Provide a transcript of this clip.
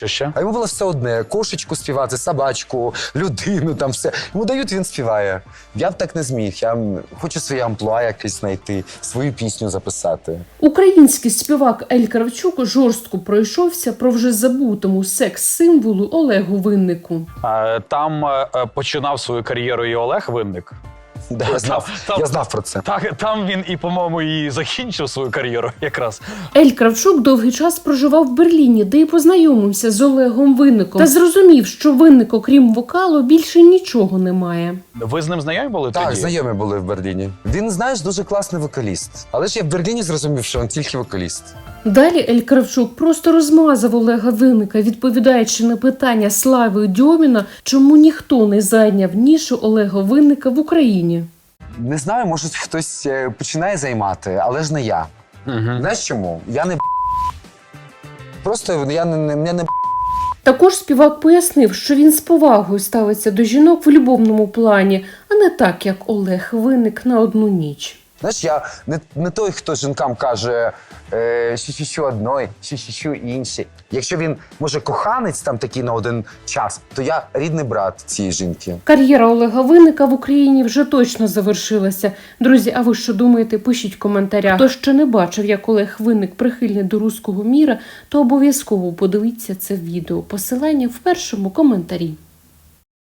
Що ще? А йому було все одне: кошечку співати, собачку, людину, там все. Йому дають, він співає. Я б так не зміг. Я хочу своє амплуа якесь знайти, свою пісню записати. Український співак Ель Кравчук жорстко пройшовся про вже забутому секс-символу Олегу Виннику. Там починав свою кар'єру і Олег Винник. Да, я знав про це. Так, там він і, по-моєму, і закінчив свою кар'єру якраз. Ель Кравчук довгий час проживав в Берліні, де й познайомився з Олегом Винником. Та зрозумів, що Винник, окрім вокалу, більше нічого не має. Ви з ним знайомі були Так, тоді? знайомі були в Берліні. Він, знаєш, дуже класний вокаліст. Але ж я в Берліні зрозумів, що він тільки вокаліст. Далі Ель Кравчук просто розмазав Олега Винника, відповідаючи на питання Слави Дьоміна, чому ніхто не зайняв нішу Олега Винника в Україні. Не знаю, може хтось починає займати, але ж не я. Знаєш чому? Я не просто я не Також співак пояснив, що він з повагою ставиться до жінок в любовному плані, а не так, як Олег Винник на одну ніч. Знаєш, я не той, хто жінкам каже що одної, що іншій. Якщо він, може, коханець там такий на один час, то я рідний брат цієї жінки. Кар'єра Олега Винника в Україні вже точно завершилася. Друзі, а ви що думаєте? Пишіть в коментарях. Хто ще не бачив, як Олег Винник прихильний до руського міра, то обов'язково подивіться це відео. Посилання в першому коментарі.